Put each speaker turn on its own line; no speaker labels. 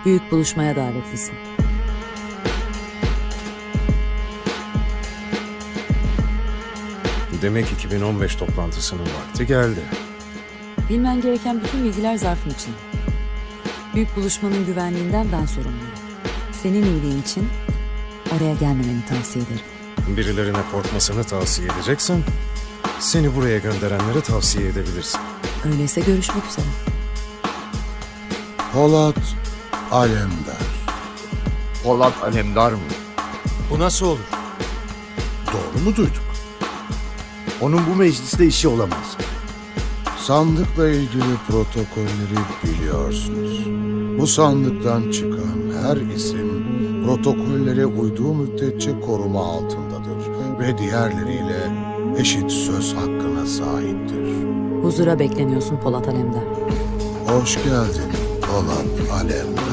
Büyük buluşmaya davetlisin.
Demek 2015 toplantısının vakti geldi.
Bilmen gereken bütün bilgiler zarfın içinde. Büyük buluşmanın güvenliğinden ben sorumluyum. Senin iyiliğin için oraya gelmemeni tavsiye ederim.
Birilerine korkmasını tavsiye edeceksen, seni buraya gönderenlere tavsiye edebilirsin.
Öyleyse görüşmek üzere.
Polat Alemdar.
Polat Alemdar mı?
Bu nasıl olur?
Doğru mu duyduk? Onun bu mecliste işi olamaz.
Sandıkla ilgili protokolleri biliyorsunuz. Bu sandıktan çıkan her isim protokollere uyduğu müddetçe koruma altındadır ve diğerleriyle eşit söz hakkına sahiptir.
Huzura bekleniyorsun Polat Alemdar.
Hoş geldin Polat Alemdar.